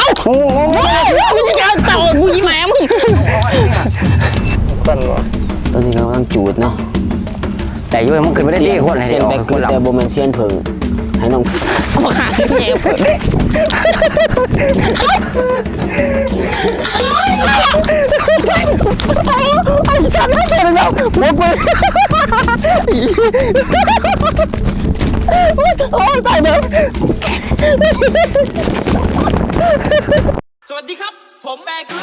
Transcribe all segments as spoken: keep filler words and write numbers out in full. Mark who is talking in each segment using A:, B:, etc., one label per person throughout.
A: โอ้โหมึงจะเอาเต่ากูยี่แม่มึงตอนนี้กำลังจูดเนาะ
B: แต่ยุ่ยมันขึ้นไม่ได้ดีคนเลย
A: เซียนแบกคือแต่โบแมนเซียนเพิงให้น้องมาขาดเงี้ยเพิงไอ้ฉันไม่เป็นแล้วหัวปืนโอ้ตายแล้ว
C: สวัสดีครับผมแบก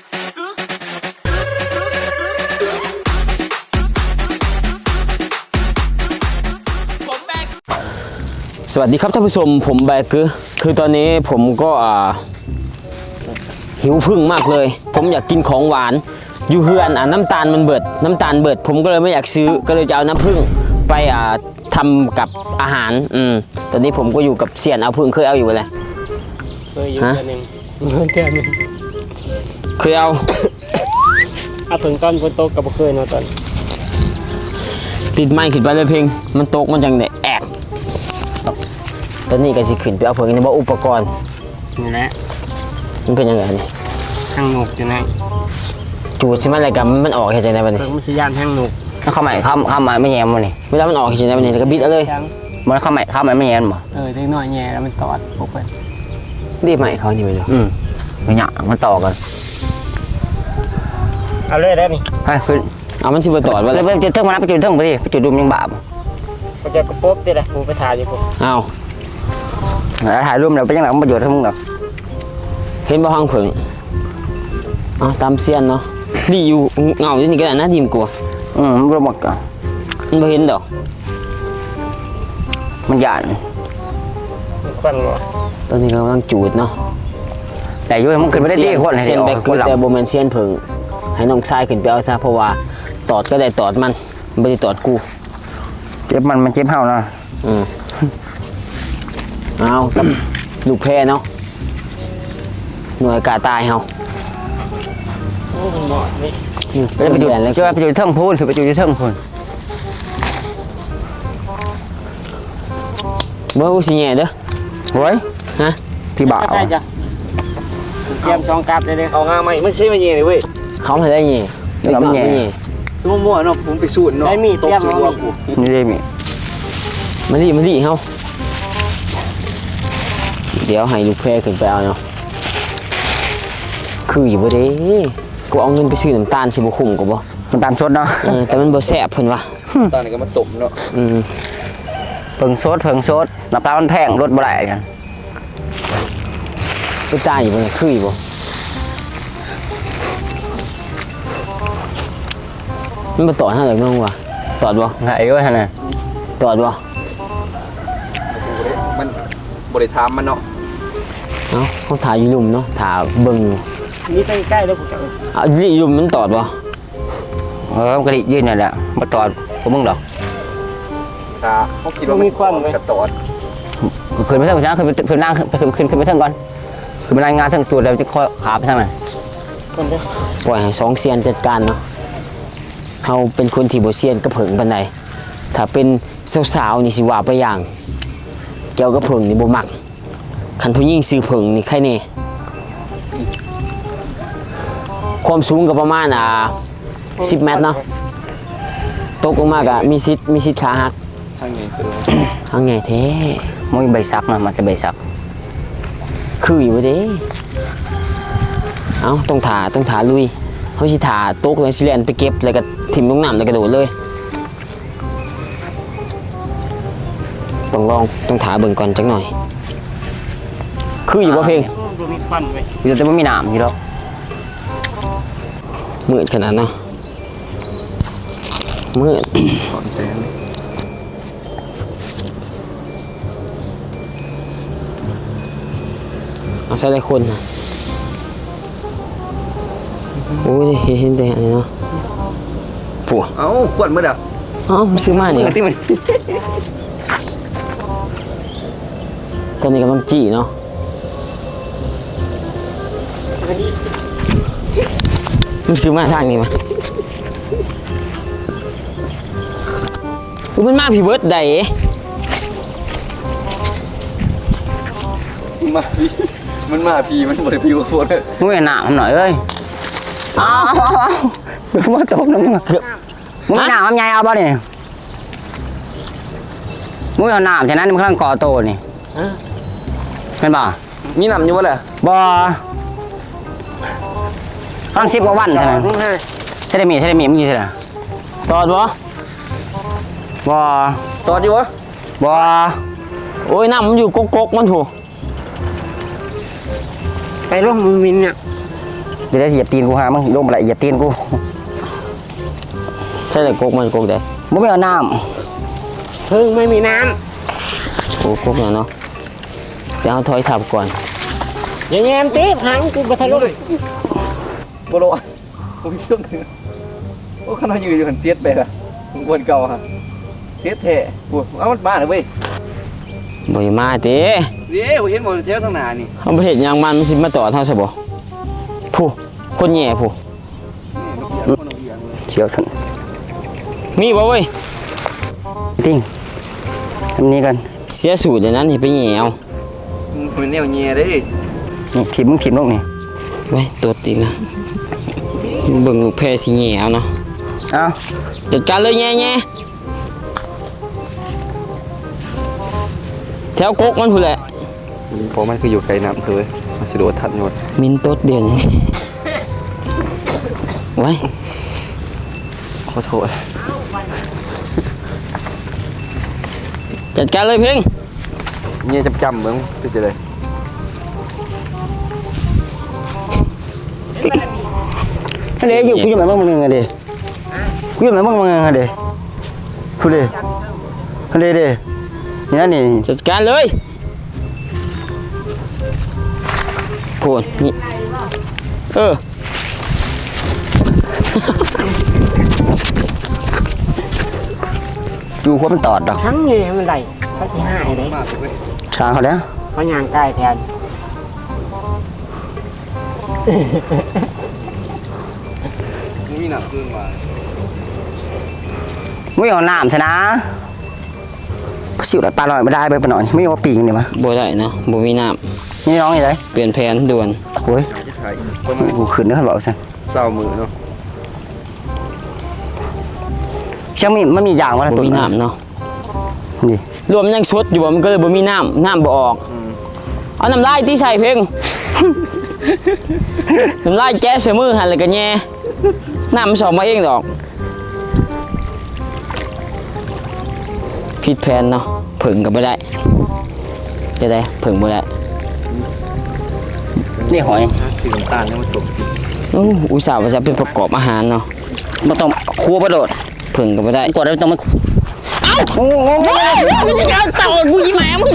A: สวัสดีครับท่านผู้ชมผมแบกคือคือตอนนี้ผมก็อ่าหิวพึ่งมากเลยผมอยากกินของหวานอยู่เฮือนอ่ะน้ำตาลมันเบิดน้ำตาลเบิดผมก็เลยไม่อยากซื้อก็เลยจะเอาน้ำผึ้งไปอ่าทำกับอาหารอืมตอนนี้ผมก็อยู่กับเสียนเอาพึ่งเคยเอาอยู่เลย
C: เคยอยู่แค่นึงเคยแค่นึง
A: เคยเอา
C: เอาพึ่งตอนฝนตกกับเคยเนาะตอน
A: ติดไม้ขึ้นไปเลยเพลงมันตกมันจังได้แอกตอนนี้ก็สิขึ้นไปเอาพึ่งนี่ว่าอุปกรณ์
C: นี่แหละ
A: มันเป็นยังไงนี่
C: ห้างหนุกอยู่ไหน
A: จูดใช่ไหมอะไรกันมันออกแค่ไหนบ้างนี่
C: มันสยานห้างหนุก
B: เข้าใหม่เข้าเข้ามาไม่แย่มันนี่
A: เวลามันออกแค่ไหนบ้างนี่ก็บิดเอาเลย
B: มันเข้าใหม่เข้าใหม่ไม่แย่มั้ง
C: เออเล็กน้อยแย่แล้วมันตอดปุ๊บไป
A: รีบใหม่เขานี่ไปดู
B: อืมมันหยามันต่อกัน
C: เอาเลยได้นี่
B: ให้ขึ้น
A: เอามันสิบต่อว่า
B: ไปจุดเท่งมาไปจุดเท่งไปดิไปจุดดุมยังบาป
C: ก็จะกระปุ๊บดิแหละกูไปถ่ายอยู่ปุ๊บ
A: เอา
B: ถ่ายรูปเราไปยังไงมันประโยชน์ทั้งมึงแบบ
A: เห็นบ่ห้องผึ่งอ๋อตามเซียนเนาะดีอยู่เงาอยู่นี่ก็ได้นะดีมกลัว
B: อืมมันหมดอ่ะ
A: มันไม่เห็นดอก
B: มันหยาด
C: ควันวะ
A: ตอนนี้กำลังจูดเนาะ
B: แต่ยุ่ยมันขึ้นไม่ได้ดีคน
A: เซียนแบกคือแต่โบแมนเซียนผึ่งให้น้องชายขึ้นไปเอาซะเพราะว่าตอดก็ได้ตอดมันไม่ได้ตอดกู
B: เจ็บมันมันเจ็บเห่านะ
A: อืมเอากับลูกแพรเนาะหน่วยกาตายเฮา
C: โอ้มันหมดนี่
B: จะไปจุดจะไปจุดเทิงพูนหรือไปจุดเทิงพูน
A: เบอร์สิแง่เด้อ
B: โว้ย
A: ฮะ
B: พี่บ่าว
C: ได้จ้ะเตรียมสองกราบเลยเด้อ
B: เอางาไม่ไม่ใช่ไม่แย่เลยเว้ย
A: เขาไม่ได้แง่
B: เราไม่แง่
D: สมมติว่าเนาะผมไปสูตรเนาะ
C: ใช้มีดเตรียมเอา
B: นี่ได้มี
A: มาดิมาดิเฮาเดี๋ยวให้ลูกแพรขึ้นไปเอาเนาะคืออยู่บ่เด้กูเอาเงินไปซื้อน้ำตาลสิบ่คุ้มกูบ่
B: น้ำตาลสดเนาะ
A: เออแต่มันบ่แซ่บเพิ่นว่า
D: ตอนนี้ก็มาตบเนาะ
A: อืม
B: เพิ่งสดเพิ่งสดน้ำตาลมันแพงรสบ่ได้กัน
A: ไปตายอยู่บ่คืออยู่บ่มันบ่ตอดเฮาเลยมั้งวะตอดบ่
B: ไงเอ้ยหั่นน่ะ
A: ตอดบ่
D: มันบริธามมันเนาะ
A: เนาะเขาถ่ายอยู่ลุ่มเนาะถ่ายเบิ่ง
C: นี่ใกล้ๆแล้วกูจะ
A: เอาดิลุ่มมันตอดบ่
B: เออมันก็ดิยืนนี่แหละบ่ตอดพวกมึงดอก
D: ตาเขาคิดว่ามีความกระตอด
B: ขึ้นไปเทิงนะขึ้นไปขึ้นนั่งขึ้นขึ้นขึ้นไปเทิงก่อนขึ้นไปรายงานเทิงตัวแล้วจะค่อยขาไปทางไหน
A: ปล่อยให้สองเซียนจัดการเนาะเฮาเป็นคนที่บ่เซียนก็เผิงปานใดถ้าเป็นสาวๆนี่สิว่าไปอย่างแก้วก็เผิงนี่บ่มักคันผู้หญิงซื้อเผิงนี่ใครแน่ความสูงก็ประมาณอ่าสิบเมตรเนาะตกลงมาก็มีสิทธิ์มีสิทธิ์ขาหัก
D: ทางไงตัว
A: ทางไงแท้
B: มันใบซักนะมันจะใบซัก
A: คืออยู่บ่เด้เอ้าต้องถ่าต้องถ่าลุยเฮาสิถ่าตกแล้วสิแล่นไปเก็บแล้วก็ถิ่มลงน้ำแล้วก็โดดเลยต้องลองต้องถ่าเบิ่งก่อนจักหน่อยคืออยู่บ่เพลง
C: มีควันเว้ย
B: อยู่แต่ไม่มีน้ำอยู่แล้ว
A: มืดขนาดเนาะมืดเอาใส่ได้คนนะโอ้ยเห็นแต่อะไรเนาะปัว
D: เอ้าขวดมืดอ่ะ
A: อ๋อมันคือมาเนี่ยตอนนี้กำลังจี้เนาะมันคือมาทางนี้มามันมาพี่เบิร์ดได้
D: มาพี่มันมาพีมันบ่ได้พิวโคตรเลย
B: มึงไม่หนาวหน่อยเอ้ยเอาเอาเอาเอาเดี๋ยวมาจบนะมึงเกือบมึงไม่หนาวทำไงเอาบ่เนี่ยมึงเอาหนาวฉะนั้นมึงกำลังก่อโตนี่เป็นบ่
D: มีน้ำอยู่บ่ล่ะ
B: บ่กำลังสิบกว่าวันเท่านั้นใช่ได้มีใช่ได้มีมึงอยู่ใช่ไหม
A: ตอดบ่
B: บ่
D: ตอดอยู่วะ
B: บ่
A: โอ้ยน้ำมันอยู่กกๆมันถูก
C: ไปร่วมมือมินเนี่ย
B: เดี๋ยวจะเหยียบตีนกูหามึงลงมาละเหยียบตีนกู
A: ใช่เลยกกมันกกได้
B: มึงไม่เอาน้
C: เพิ่งไม่มีน้
A: โอ้กกเนี่ยเนาะเดี๋ยวเอาถอยทับก่อน
C: ำอย่างเงี้ยมตีหางกูไปทะลุ
D: บ่รู้อะบ่มีเครื่องนึงโอ้ขนาดยืนอยู่หันเสียดไปล่ะมึงวนเก่าฮะเสียดแท้กูเอามันบ้าเลยเว้ย
A: บ่อยมาติ
D: เดี๋ยวเห็นบ่เที่ยวข้างหน้านี่
A: เขาบ่เฮ็ดหยังมันมันสิมาต่อเท่าซะบ่ผู้คนแย่ผู้
B: ำเขียวสัน
A: มีบ่เว้ย
B: ติ้งทำนี้กัน
A: เสียสูตรอย่างนั้นนี่ไปแย่เอา
D: มันแนวแย่เด้
B: นี่ขีดมึงขีดลงนี่
A: ไว้ตดอีกนะเบิ่งลูกแพรสิแย่เอาเนาะ
B: เอา
A: จัดการเลยแย่แย่แถวกกมันพุ่นแหละ
D: เพราะมันคืออยู่ไกลน้ำเธอเว้ยมันสิโดดทัดหมด
A: มินตดเดียวนี้ ไว้
D: ขอโทษ
A: จัดการเลยเพ่ง
D: เนี่ยจำๆเบิ่งคือจะได้
B: อันเดี๋ยวอยู่กูอยู่ไหนบ้างมึงเงินเดี๋ยวกูอยู่ไหนบ้างมึงเงินเดี๋ยวกูเดี๋ยวอันเดี๋ยวเดี๋ยวนี่นั่นนี่
A: จัดการเลยโคนนี่เออ
B: อยู่หัวมันตอดดอก
C: ทั้งเงี้ยมันไหลเขาที่ห้าเลย
D: มากเว้ย
B: ช้างเขาแล้ว
C: เขาย่างกายแทน
D: มีน้ำเครื่องมา
B: ไม่เอาน้ำซะนะสิวไหลปลาลอยไม่ได้ไปปะหน่อยไม่เอาปีกนี่มะ
A: บ่ได้เนาะบ่มีน้
B: นี่น้องนี่เลย
A: ำเปลี่ยนแผนด่วน
B: โอ้ย
D: จะถ่ายอีกประมาณ
B: กูขึ้นนะครับบอกใช่
D: เศร้ามือเนาะ
B: ช่างมีมันมีอย่างวะ
A: บ่มีน้ำเนาะ
B: นี่
A: รวมยังสดอยู่บ่มันก็เลยบ่มีน้ำน้ำบ่ออกเอาน้ำลายที่ใส่เพ่ง น้ำลายแก้เสมือหันเลยกันแย่น้ำมันสอบมาเองดอกผิดแผนเนาะผึ่งก็ไม่ได้จะได้ผึ่งไม่ได้
B: นี่หอย
D: สีน้ำตาลเนี่ยมันตก
A: อู้อุตส่าห์ว่าจะเป็นประกอบอาหารเนาะ
B: มันต้องครัวประโดด
A: ผึ่งก็ไม่ได้
B: กดแล้วต้องมาเอ้าโอ้โห
A: มึงจะเอาเต่ากูยี่แม่มึง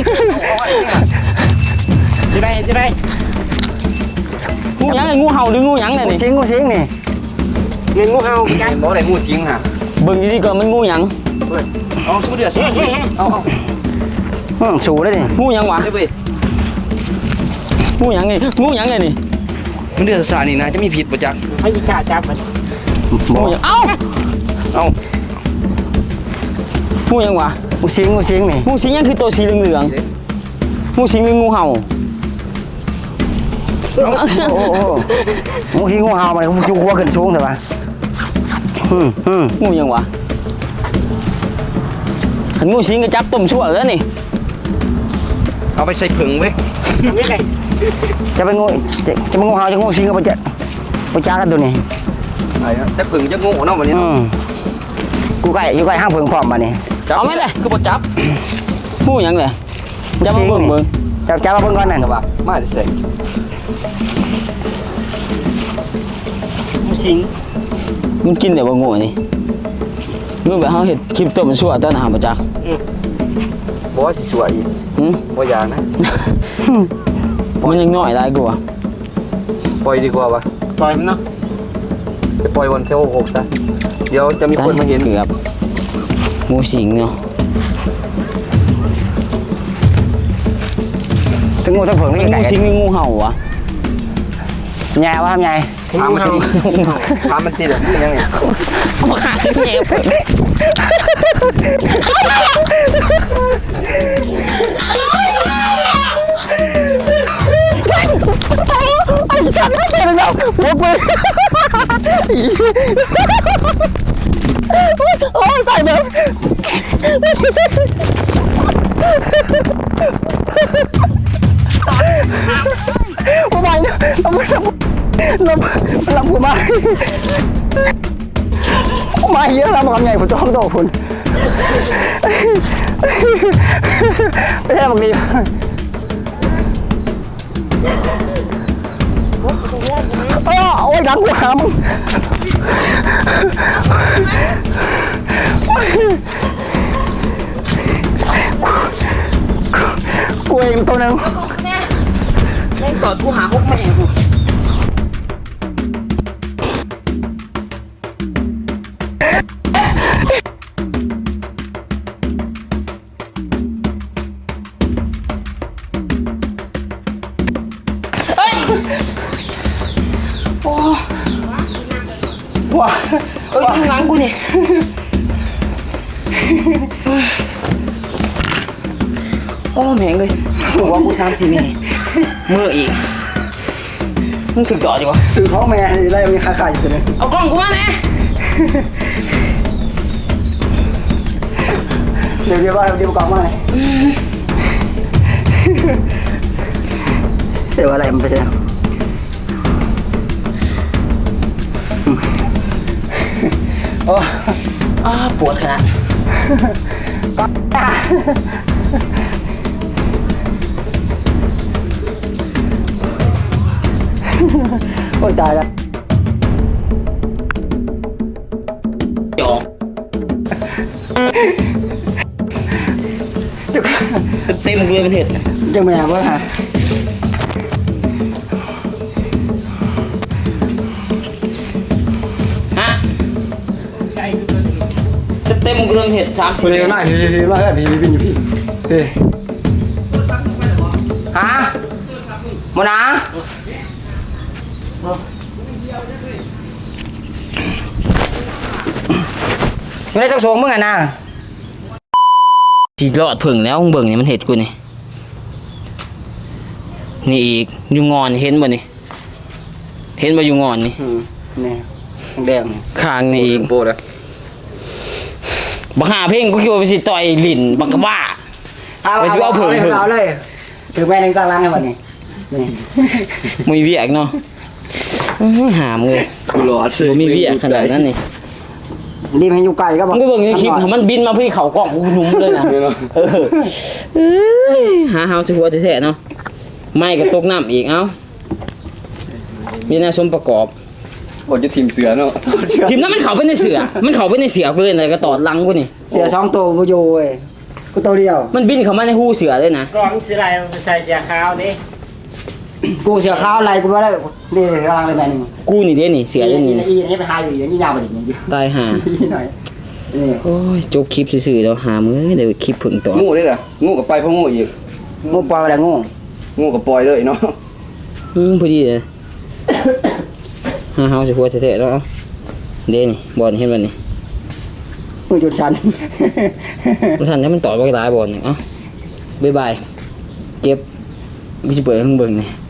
C: จะได้จะได้
A: งูหยังไงงูเห่าหรืองูหยังไงนี่
B: ซิงกูซิงนี่
C: เงินงูเห่ากัน
D: เห็นบ่ได้งูทิ้งฮะ
A: เบิ่งดีๆก่อนมันงูหยัง
D: เอาสู้เดือดสู้เดือดเอาเอา
B: อืมสูได้ดิ
A: งูหยังวะ
D: ได้เว้ย
A: งูหยังไงงูหยังไงนี่
D: มันเดือดสานี่นะจะมีผิดประจักษ์
C: เขาจะกล้าจับมัน
B: บอ
A: งู
B: ก
A: หยังเอ้า
D: เอา
A: งูหยังวะ
B: กูซิงกูซิงนี่
A: งูสิงยังคือตัวสีเหลืองๆงูสิงหรืองูเห่า
B: โอ้โหงูหิ้งงูเห่ามาเลยกูหัวขึ้นสูงเถอะวะอืมอืม
A: งูหยังวะหันงูสิงก็จับต้มชั่วแล้วนี่
D: เอาไปใส่ผึ่งเว้ย
C: ทำยังไง
B: จะเป็นงูจะจะเป็นงูเห่าจะงูซิงก็ไปจะไปจ้ากันตัวนี้
D: ไอ้นะแต่ผึ่งจะงูเนาะวันนี้
B: อืมกูใกล้อยู่ใกล้ห้างเพิงพร้อมมานี่
A: เอาไหมเลย
D: คือบ่จับ
A: งูหยังเลยจะมาเบิ่งเบิ่ง
B: จับจับมาเบิ่งก่อนนั่น
D: แต่ว่ามาได้ใส่
C: งูสิง
A: มันกินแต่ว่างูนี่มึงแบบเขาเห็ดคลิปต้มชั่วตอนอาหารประจักษ์
D: บ่ว่าสิสวยอีก
A: หืม
D: บ่อยากนะ
A: มันยังน้อยได้กูอ่ะ
D: ปล่อยดีกว่าวะ
C: ปล่อยมันเนาะ
D: ไปปล่อยวันเที่ยวหกซะเดี๋ยวจะมีคนมาเห็น
A: เกือบงูสิงเนาะ
B: ทั้งงูทั้งเพิง
A: มัน
B: นี่ไก่
A: งูสิงหรืองูเห่าวะ
B: แง่วะทำไง
D: ถามมันติถามมันติแบบนี้ยังไง
A: เอามาขายแย่เปิด
B: แล้วหัวกูโอ้ยตายแบบกูไปเนี่ยลำลำลำกูมามาเยอะลำกับไงผมจะห้องโตคุณไม่ใช่บางทีโอ้ยดังกูหามึงกูเองตัวนึง
A: แม่งกอดกูหาฮกแม่กู
B: ว้า
A: เอ้ยข้างหลังกูนี่โอ้แม่งเลยบอกว่ากูชามสี่เมย์มืออีกมึงถึงจอดดิวะ
B: ถือท้องแม่ไล่มีคาคาอยู่ตัวนึง
A: เอากล้องกูมาแน่
B: เดี๋ยวเดี๋ยวว่าเดี๋ยวกลับมาเลยเดี๋ยวอะไรมันไปเจอโอ้
A: อ้าปวดขนาด
B: โอ้ยตายแล้ว
A: จอ
B: จุก
A: เต็มเลยเป็นเห็ด
B: จังแม่เว้ยฮะ
A: ฮะเต็มเลยเป็นเห็ดสามสี่
B: พี่น่าพี่พี่น่าพี่พี่พี่พี่พี่ฮะโมนาไม่ได้จักสวงมึงอ่ะนะ
A: สีรอดผึ่งแล้วมึงเบิ่งนี่มันเห็ดกูนี่นี่อีกอยู่งอนเห็นบ่นี่เห็นบ่อยู่งอนนี่
B: นี่แดง
A: ข้างนี่อีก
D: โปรนะ
A: บักหาเพ่งกูคิดว่าไปสิต่อยลิ้นบักกะบ้า ไปสิเอาเผิ่งเผิ่ง
B: เอาเลยถือแม่นึงกลางล้างให้วันนี้นี่
A: มีเวียกเนาะอื้อหามเลย
D: กูรอด
A: บ่มีเวียกขนาดนั้นนี่
B: รีบให้อยู่ไกลก็บอ
A: มึ
B: ก
A: งก็เบิ่งในคลิปของมันบินมาพี่เขากล้องกูหนุ่มเลยนะเออเอ้ยหาเฮาสิหัวแท้ๆเนาะไม่ก็ตกน้ำอีกเอ้ามีหน้าสมประกอบ
D: โอ้ยจะทีมเสือเนาะ
A: ทีมนั้นมันเข้าไปในเสือมันเข้าไปในเสือเพิ่นเลยก็ตอดหลังกูนี่
B: เสียสองตัวกูอยู่เว้ยกูตัวเดียว
A: มันบินเข้ามาในหูเสือเลยนะ
C: กล่องสิไรใส่เสียขาวดิ
B: กูเสียข้าวอะไรกูไม่ได้นี่กำลังเลยแม่นึง
A: กูนี่เด้นี่เสือเด้นี่
B: อีนี่ไปหาอยู่อย่างนี้ยาวไปอีกอย่างนี้
A: ตายห่า
B: หน่อยนี่
A: โอ้ยจบคลิปซื่อๆแล้วหามื้อเดี๋ยวคลิปผึ่งต่อ
D: งูนี่แหละงูกับไปเพราะงูอีก
B: งูปล่อยอะไรงู
D: งูกับปล่อยเลยเนาะ
A: อืมพอดีเลย หาเฮาสิหัวแท้ๆแล้วเอาเด้นี่บอลเห็นบ่นี่
B: งูจุดสัน
A: มันทันถ้ามันต่อยบ่ได้บอลนี่เอ้าบ๊ายบายเจ็บกูสิเปิดให้มึงเบิ่งนี่